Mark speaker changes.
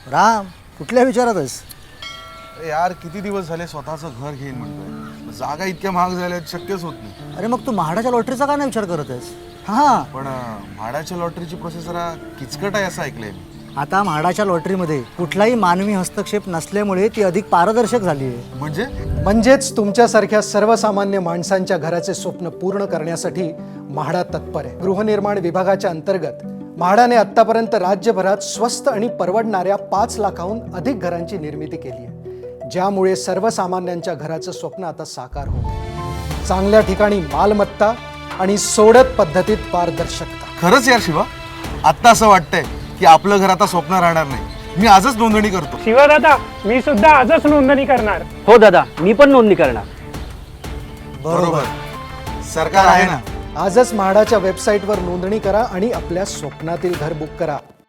Speaker 1: राम, कुठल्या विचारात आहेस?
Speaker 2: अरे यार किती दिवस झाले स्वतःचं घर घेईन म्हणतोय. जागा इतक्या महाग झाल्यात शक्यच होत नाही.
Speaker 1: अरे मग तू म्हाडाच्या लॉटरीचा का नाही विचार करत आहेस? हां,
Speaker 2: पण म्हाडाच्या लॉटरीची प्रोसेस जरा किचकट आहे असं ऐकलंय मी.
Speaker 1: आता म्हाडाच्या लॉटरीमध्ये कुठलाही मानवी हस्तक्षेप नसल्यामुळे ती अधिक पारदर्शक झाली आहे.
Speaker 3: म्हणजेच तुमच्यासारख्या सर्वसामान्य माणसांच्या घराचे स्वप्न पूर्ण करण्यासाठी म्हाडा तत्पर आहे. गृहनिर्माण विभागाच्या अंतर्गत म्हाडाने आतापर्यंत राज्यभरात स्वस्त आणि परवडणाऱ्या 5 लाखाहून अधिक घरांची निर्मिती केली आहे, ज्यामुळे सर्वसामान्यांच्या घराचं स्वप्न आता साकार होत आहे. चांगल्या ठिकाणी मालमत्ता आणि सोडत पद्धतीत पारदर्शकता.
Speaker 2: खरंच यार शिवा, आत्ता असं वाटतंय की आपलं घर आता स्वप्न राहणार नाही. मी आजच नोंदणी करतो.
Speaker 4: शिवा दादा, मी सुद्धा आजच नोंदणी करणार.
Speaker 5: हो दादा, मी पण नोंदणी करणार.
Speaker 2: बरोबर, सरकार आहे ना.
Speaker 3: आजच म्हाडाच्या वेबसाईटवर नोंदणी करा आणि आपल्या स्वप्नातील घर बुक करा.